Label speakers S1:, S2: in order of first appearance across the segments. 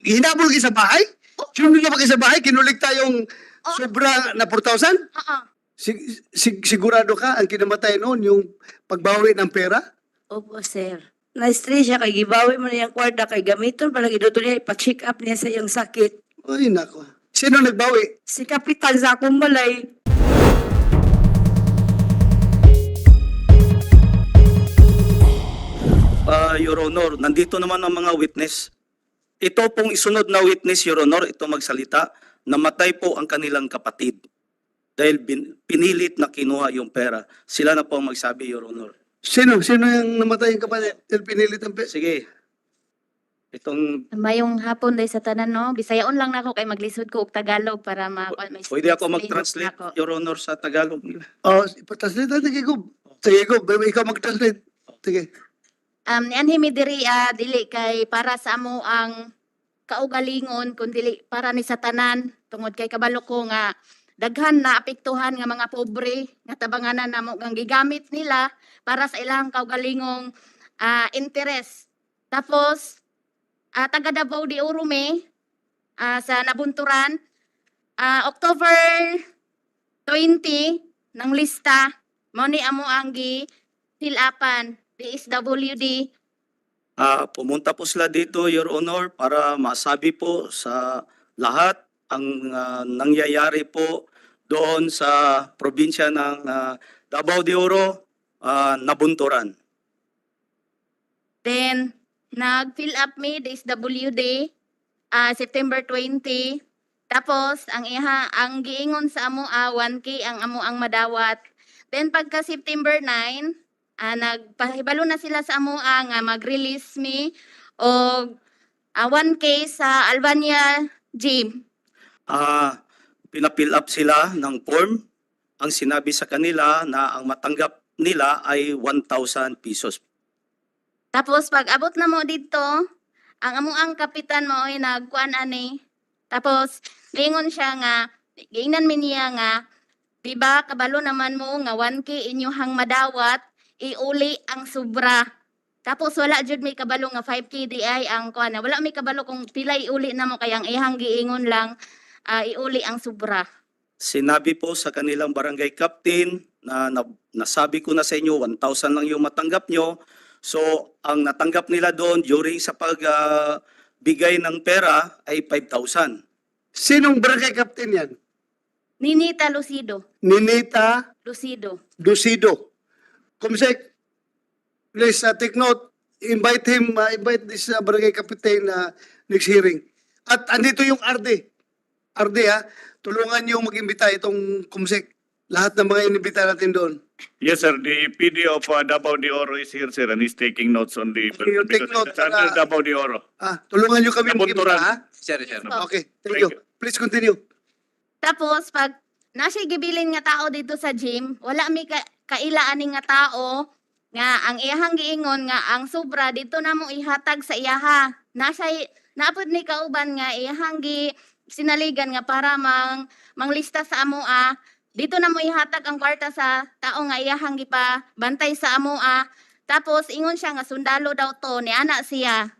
S1: Hinabol kayo sa bahay? Sinunod na ba kayo sa bahay? Kinulik tayong
S2: Oh.
S1: sobra na 4,000?
S2: Oo.
S1: Sigurado ka ang kinamatay noon yung pagbawi ng pera?
S3: Opo, sir. Na-stress siya kay gibawi mo na yung kwarta kay gamiton para giduto niya ipa-check up niya sa iyang sakit.
S1: Ay, nako. Sino nagbawi?
S3: Si kapitan sa akong balay.
S4: Your Honor, nandito naman ang mga witness. Ito pong isunod na witness, Your Honor, ito magsalita, namatay po ang kanilang kapatid dahil pinilit na kinuha yung pera. Sila na po ang magsabi, Your Honor.
S1: Sino yung namatay yung kapatid? El pinilit ang pera?
S4: Sige. Itong,
S2: Mayong hapon day sa tanan no. Bisayaon lang nako kay maglisod ko og Tagalog para may
S4: pwede ako mag-translate,
S2: nako.
S4: Your Honor, sa Tagalog.
S1: Oh, ipatranslate natin kay Gob. Sige, Gob. Ikaw mag-translate. Sige.
S2: Nianhi mi diri dili kay para sa amo ang kaugalingon kun dili para ni sa tanan tungod kay kabalo ko nga daghan na apektuhan nga mga pobre nga tabanganan namo ang gigamit nila para sa ilang kaugalingong interes. Tapos taga Davao de Oro mi sa Nabunturan October 20 ng lista mao ni amo ang gi fill-upan DSWD.
S4: Pumunta po sila dito, Your Honor, para masabi po sa lahat ang nangyayari po doon sa probinsya ng Davao de Oro, Nabunturan.
S2: Then, nag-fill up me DSWD September 20. Tapos, ang giingon sa amo 1K ang amo ang madawat. Then, pagka September 9, nagpahibalo na sila sa amo nga mag-release me og 1K sa Albania Gym.
S4: Pinapill up sila ng form. Ang sinabi sa kanila na ang matanggap nila ay 1,000 pesos.
S2: Tapos pag abot na mo dito, ang amo ang kapitan mo ay nagkuan ani. Tapos lingon siya nga, giingnan mi niya nga, di ba kabalo naman mo nga 1K inyuhang madawat, iuli ang sobra. Tapos wala jud may kabalo nga 5K di ay ang kuan. Wala may kabalo kung pila iuli na mo kayang ihang giingon lang iuli ang sobra.
S4: Sinabi po sa kanilang barangay captain na nasabi ko na sa inyo 1,000 lang yung matanggap nyo. So ang natanggap nila doon during sa pagbigay ng pera ay 5,000.
S1: Sinong barangay captain yan?
S2: Ninita Lucido.
S1: Ninita
S2: Lucido.
S1: Ducido. Kumsek, please take note. Invite this barangay captain next hearing. At andito yung RD. RD tulungan niyo mag-imbita itong Kumsek. Lahat ng mga inibita natin doon.
S5: Yes, sir. The PD of Davao de Oro is here, sir, and he's taking notes on the...
S1: You take
S5: because
S1: note
S5: it's under
S1: para-
S5: Davao de Oro.
S1: Tulungan niyo kami mag-imbita,
S5: Nabunturan.
S1: ha?
S6: Sir.
S1: Okay, thank
S5: Thank
S1: you. Please continue.
S2: Tapos pag nasa gibilin nga tao dito sa gym, wala mi kaila ani nga tao nga ang iyahang giingon nga ang sobra dito na mo ihatag sa iyaha. Napod ni kauban nga iyahang sinaligan nga para manglista sa amoa. Dito na mo ihatag ang kwarta sa tao nga iyahang gipa bantay sa amoa. Tapos ingon siya nga sundalo daw to ni ana siya.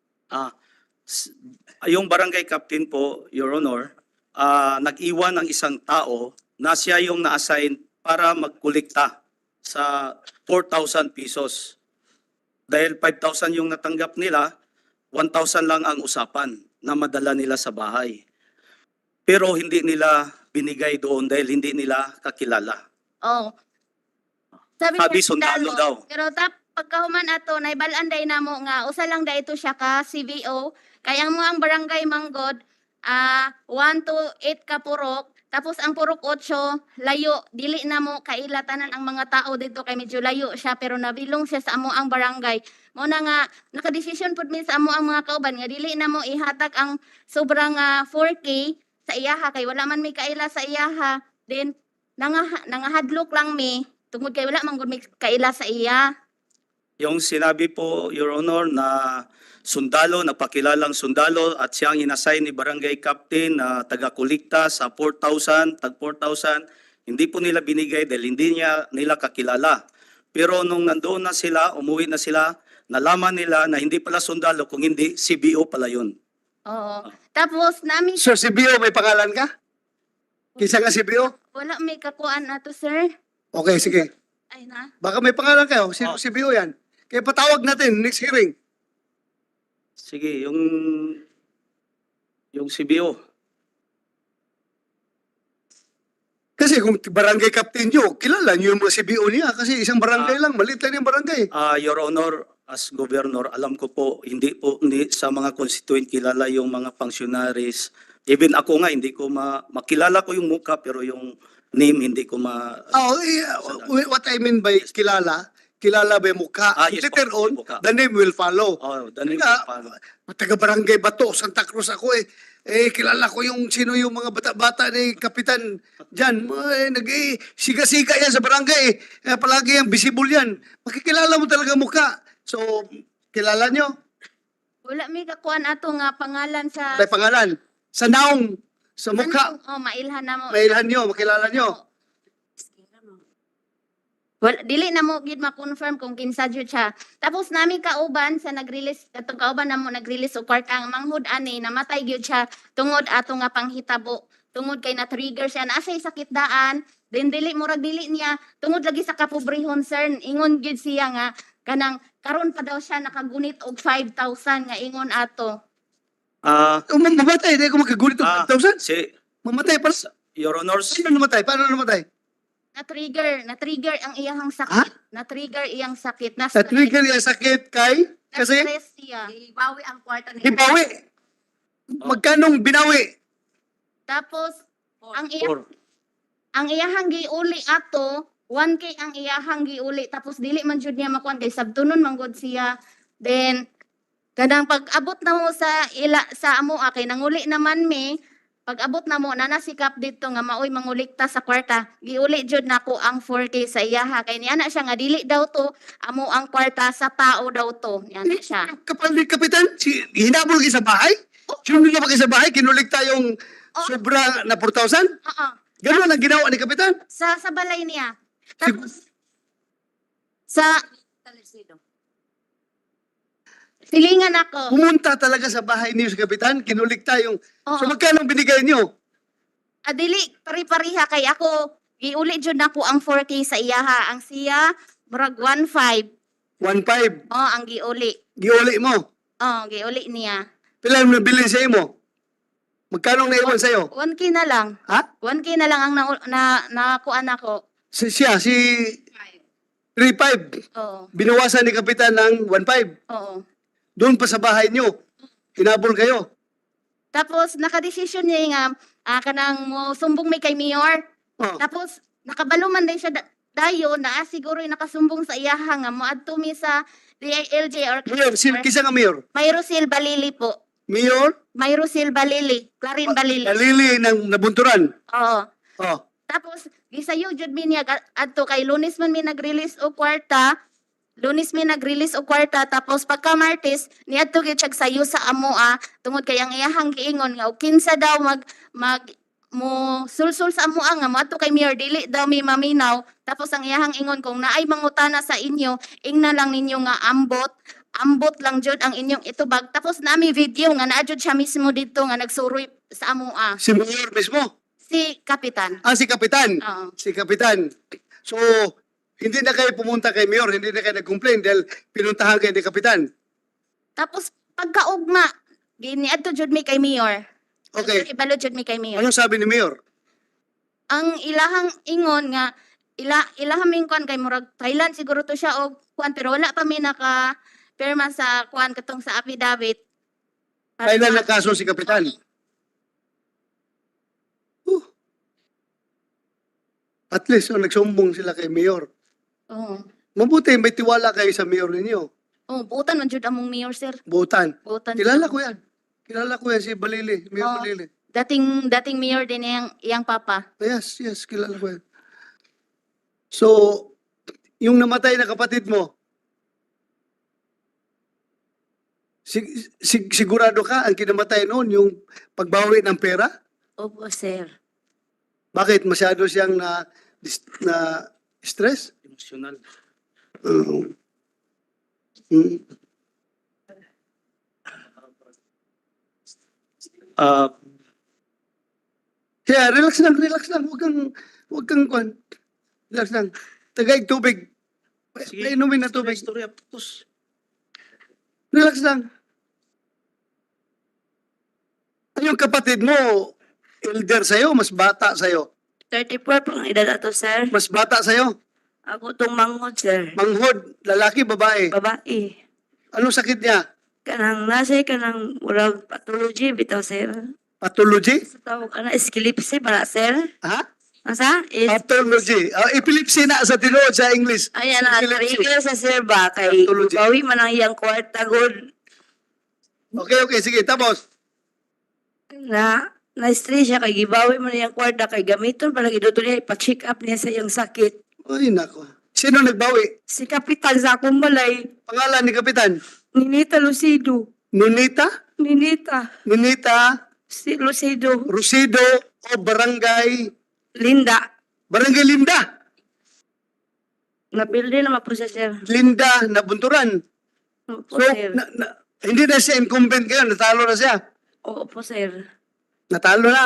S4: Yung barangay captain po, Your Honor, nag-iwan ng isang tao na siya yung na-assign para magkolekta sa 4,000 pesos. Dahil 5,000 yung natanggap nila, 1,000 lang ang usapan na madala nila sa bahay. Pero hindi nila binigay doon dahil hindi nila kakilala.
S2: Oh.
S4: Sabi sundalo daw.
S2: Pero pagkahuman ato naibalaan day namo nga usa lang da ito siya ka CVO kaya ang mga barangay manggod 1 to 8 ka purok tapos ang purok 8 layo dili na mo kailatanan ang mga tao dito kay medyo layo siya pero nabilong siya sa amo ang barangay mo na nga nakadesisyon pud mi sa amo ang mga kauban nga dili na mo ihatag ang sobrang 4K sa iyaha kay wala man mi kaila sa iyaha then nangahadlok lang mi tungod kay wala man gud mi kaila sa iya.
S4: Yung sinabi po, Your Honor, na sundalo, napakilalang sundalo at siyang inassign ni barangay captain na taga-kulikta sa 4,000, tag 4,000, hindi po nila binigay dahil hindi nila kakilala. Pero nung nandoon na sila, umuwi na sila, nalaman nila na hindi pala sundalo, kung hindi, CBO pala yun.
S2: Oo. Tapos namin
S1: So, CBO, may pangalan ka? Kisa ka CBO?
S2: wala may kakuan ato, sir.
S1: Okay, sige.
S2: Ay na.
S1: Baka may pangalan kayo. Sino
S4: Oh.
S1: CBO yan? Kaya patawag natin, next hearing.
S4: Sige, yung CBO.
S1: Kasi kung barangay captain nyo, kilala nyo yung mga CBO niya. Kasi isang barangay lang, maliit lang yung barangay.
S4: Your Honor, as Governor, alam ko po, hindi sa mga constituent kilala yung mga functionaries. Even ako nga, hindi ko makilala ko yung mukha, pero yung name, hindi ko
S1: Oh, yeah, what I mean by kilala ba yung mukha?
S4: Yes,
S1: Later
S4: po,
S1: on,
S4: yung mukha.
S1: the name will follow.
S4: Oh, the name
S1: Kaya,
S4: paano?
S1: taga-barangay Bato, Santa Cruz ako eh. Kilala ko yung sino yung mga bata-bata ni Kapitan dyan. Siga-siga yan sa barangay eh. Palagi yan, visible yan. Makikilala mo talaga mukha. So, kilala nyo?
S2: Wala may kakuan ato nga pangalan sa
S1: May pangalan. Sa naong, sa mukha.
S2: Oh, mailhan na mo.
S1: Mailhan nyo, makilala nyo.
S2: Well, dili na mo gid ma-confirm kung kinsa jud siya. Tapos nami kauban sa nag-release katong kauban namo nag-release og kwarta ang manghud ani namatay gyud siya tungod ato nga panghitabo. Tungod kay na-trigger siya na asay sakit daan, then dili niya tungod lagi sa kapobrehon sir. Ingon gyud siya nga kanang karon pa daw siya nakagunit og 5,000 nga ingon ato.
S1: Mamatay, hindi ko makagulit ng 5,000. Mamatay pa.
S4: Your Honors,
S1: Sino namatay? Paano namatay?
S2: Na-trigger ang iyang sakit. Na-trigger iyang sakit.
S1: Sa-trigger yung sakit kay? Kasi?
S2: Na-stress siya.
S3: Ibawi ang kwarta ni
S1: Hibawi. Magkanong binawi?
S2: Tapos ang
S4: or
S2: iyahang giuli ato 1K ang iyahang giuli tapos dili man jud niya makuan kay sabtunon man gud siya. Then kanang pag-abot na mo sa amo kay nanguli naman mi pag-abot na mo nanasikap dito nga maoy mangulikta sa kwarta giuli jud nako ang 4K sa iyaha kay niya na siya nga dili daw to amo ang kwarta sa tao daw to niya na siya.
S1: Kapal ni Kapitan, hinabol kayo sa bahay? Sino na ba kayo sa bahay? Kinulikta yung sobra na 4,000?
S2: Oo.
S1: Ganun ang ginawa ni Kapitan?
S2: Sa balay niya. Tapos sa silingan ako.
S1: Pumunta talaga sa bahay niyo si Kapitan, kinulikta yung...
S2: Oo.
S1: So magkano binigay niyo?
S2: Dili pari-pariha kay ako giuli jud nako ang 4K sa iyaha ang siya murag 1.5
S1: 1,500.
S2: ang giuli
S1: Giuli mo.
S2: giuli niya
S1: Pila mo nabilin sa imo? Magkano naiwan sa'yo?
S2: 1K na lang
S1: Ha?
S2: 1K na lang ang nakuan ako
S1: Si 3,500.
S2: oo
S1: Binawasan ni Kapitan ng 1,500.
S2: oo
S1: Doon pa sa bahay niyo. Hinabol kayo.
S2: tapos nakadesisyon niya nga kanang mo sumbong may kay mayor
S1: Oh.
S2: tapos nakabalo man din siya dayo na siguro nakasumbong sa iyaha nga moadto mi sa DILJ or
S1: Mayor, kisa nga mayor?
S2: Mayrosil Balili po.
S1: Mayor?
S2: Mayrosil Balili, Clarin Balili.
S1: Nalili ng nabunturan.
S2: Oo.
S1: Oh.
S2: Tapos gisayo jud mi niya adto kay Lunes man mi nag-release og kwarta. Lunes mi nag-release og kwarta tapos pagka Martes niadto gyud siya sayo sa amoa tungod kay ang iyahang giingon nga og kinsa daw mag mo sulsul sa amoa nga moadto kay Mayor dili daw mi maminaw tapos ang iyahang ingon kung naay mangutana sa inyo ingna lang ninyo nga ambot lang jud ang inyong itubag tapos nami video nga naa jud siya mismo dito nga nagsuroy sa amoa
S1: Si mayor mismo.
S2: si Kapitan.
S1: Si Kapitan.
S2: Oo.
S1: Si Kapitan. So, hindi na kayo pumunta kay mayor, hindi na kayo nag-complain dahil pinuntahan kayo ni Kapitan.
S2: Tapos pagkaugma giniadto jud mi kay Mayor.
S1: Okay.
S2: Ibalo jud mi kay Mayor.
S1: Anong sabi ni mayor?
S2: Ang ilahang ingon nga ilahang mingkon kay murag Thailand siguro to siya og kuan pero wala pa mi naka perma sa kuan katong sa affidavit.
S1: Kailan na kaso si Kapitan? At least, nagsumbong sila kay mayor.
S2: Oo.
S1: Mabuti, may tiwala kayo sa mayor ninyo.
S2: Oh, buutan man jud among Mayor sir.
S1: Butan.
S2: Buutan.
S1: Kilala ko yan. Kilala ko yan si Balili. Mayor
S2: Oo.
S1: Balili.
S2: Dating Mayor din iyang papa.
S1: Yes, kilala ko yan. So, yung namatay na kapatid mo, sigurado ka ang kinamatay noon yung pagbawi ng pera?
S3: Opo, sir.
S1: Bakit? Masyado siyang na stress?
S4: emotional.
S1: Kaya relax lang, relax lang. Huwag kang kwan. Relax lang. Tagay tubig. Painumin na tubig.
S4: Istorya, tapos.
S1: Relax lang. Yung kapatid mo, elder sa'yo, mas bata sa'yo.
S3: 34 pang edad ato, sir.
S1: Mas bata sa'yo.
S3: Ako tong manghod, sir.
S1: Manghod, lalaki, babae.
S3: Babae.
S1: Anong sakit niya?
S3: Kanang nasa kanang murag pathology bitaw, sir.
S1: Pathology?
S3: Sa tawag ka na, epilepsy para, sir.
S1: Ha?
S3: Asa?
S1: Pathology. Epilepsy na sa tinuod sa English.
S3: Ayan na,
S1: Epilepsy.
S3: trigger sa sir ba? Kay
S1: Pathology.
S3: bawi man ang iyang kwarta, good.
S1: Okay, sige. Tapos,
S3: Na-stress siya kay gibawi man iyang kwarta kay gamiton para giduto niya ipa-check up niya sa iyang sakit.
S1: ay nako. Sino nagbawi?
S3: Si Kapitan sa akong balay,
S1: Pangalan ni Kapitan?
S3: Ninita Lucido.
S1: Nunita?
S3: Ninita.
S1: Nunita
S3: Si Lucido.
S1: Rusido o Barangay
S3: Linda.
S1: Linda.
S3: Napildi naman po siya, sir.
S1: Linda na Bunturan.
S3: Opo,
S1: So,
S3: sir.
S1: hindi na siya incumbent ngayon. Natalo na siya.
S3: Opo, sir.
S1: Natalo na.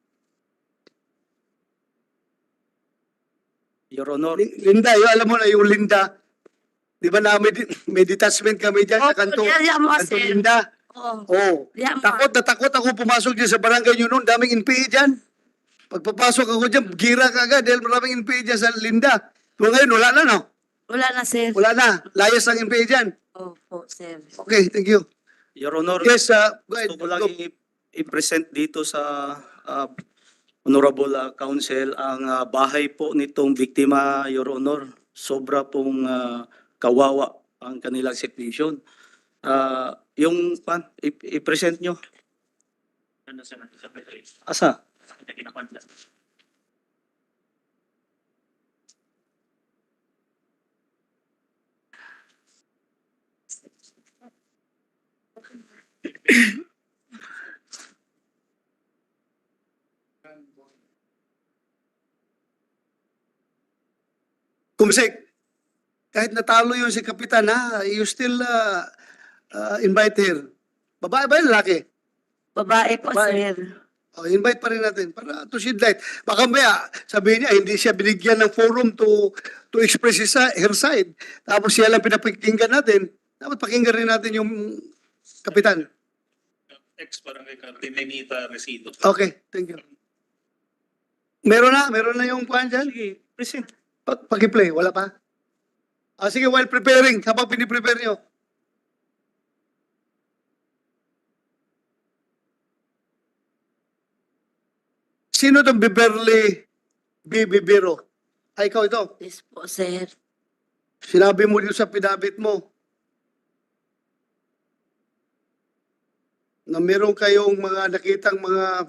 S4: Your Honor,
S1: Linda, yung alam mo na yung Linda. Di ba na may detachment kami dyan sa
S3: Opo,
S1: kanto,
S3: diyan mo,
S1: kanto
S3: sir.
S1: Linda.
S3: Oo.
S1: Oh,
S3: Diyan mo.
S1: takot ako pumasok dyan sa barangay nyo noon. Daming NPA dyan. Pagpapasok ako dyan, gira ka agad dahil maraming NPA dyan sa Linda. So ngayon, wala na, no?
S3: Wala na, sir.
S1: Wala na. Layas ang NPA dyan.
S3: Opo, sir.
S1: Okay, thank you.
S4: Your Honor,
S1: Yes, go ahead.
S4: gusto ko lang
S1: Go.
S4: i-present dito sa Honorable Council ang bahay po nitong biktima, Your Honor. Sobra pong kawawa ang kanilang situation. Yung i-present nyo. Asa?
S1: Kumsek, kahit natalo yun si Kapitan, you still invite her. Babae ba yun, lalaki?
S3: Babae po,
S1: Babae.
S3: sir.
S1: Invite pa rin natin para to shed light. Baka maya, sabihin niya, hindi siya binigyan ng forum to express her side. Tapos siya lang pinapakinggan natin. Dapat pakinggan rin natin yung Kapitan.
S6: Ex-barangay Captain Nenita Resido.
S1: Okay, thank you. Meron na yung kuhan dyan?
S4: Sige, present.
S1: Paki-play, wala pa? Sige, while preparing, habang piniprepare nyo. Sino itong Beverly B. Bibiro? Ay, ikaw ito.
S3: Yes po, sir.
S1: Sinabi mo dito sa pinabit mo na meron kayong mga nakitang mga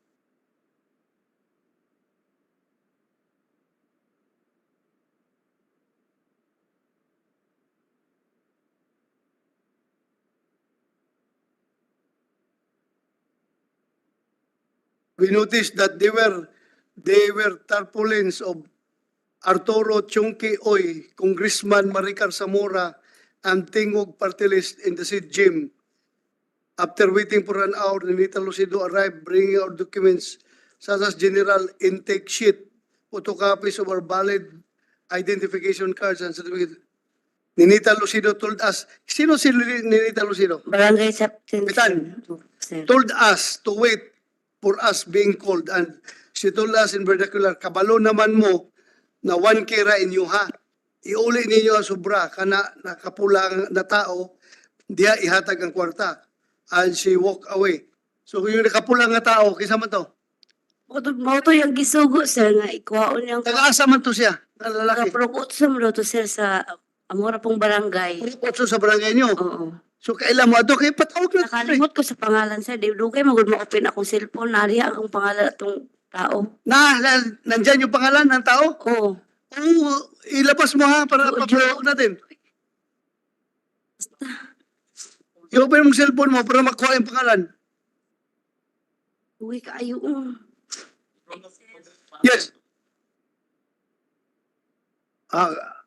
S1: we noticed that they were tarpaulins of Arturo Chunky Oy, Congressman Maricar Zamora, and Tingog party list in the seat gym. After waiting for an hour, Ninita Lucido arrived bringing our documents such as general intake sheet, photocopies of our valid identification cards and certificate. Ninita Lucido told us, sino si Ninita Lucido?
S3: Barangay Captain,
S1: Kapitan.
S3: sir.
S1: Told us to wait for us being called, and she told us in vernacular, kabalo naman mo na 1K ra inyo ha. Iuli ninyo ang sobra kana nakapulang na tao diya ihatag ang kwarta. And she walked away. So kung yung nakapulang na tao, kisa man to?
S3: Mao to yung gisugo, sir, nga ikwaon yung
S1: Taga-asa man to siya, na lalaki.
S3: nagaprokutsum daw to, sir, sa amora pong barangay.
S1: Puro sa barangay nyo.
S3: Oo.
S1: So kailan mo ato, kaya patawag na.
S3: Nakalimot ko sa pangalan, sir. Di dugay magud ma-open akong cellphone. Nariya akong pangalan atong tao.
S1: Nandyan yung pangalan ng tao?
S3: Oo.
S1: Oo, ilabas mo ha, para
S3: Oo,
S1: papalawag natin. I-open mo cellphone mo para makuha yung pangalan.
S3: Uy, kaayo.
S1: Yes.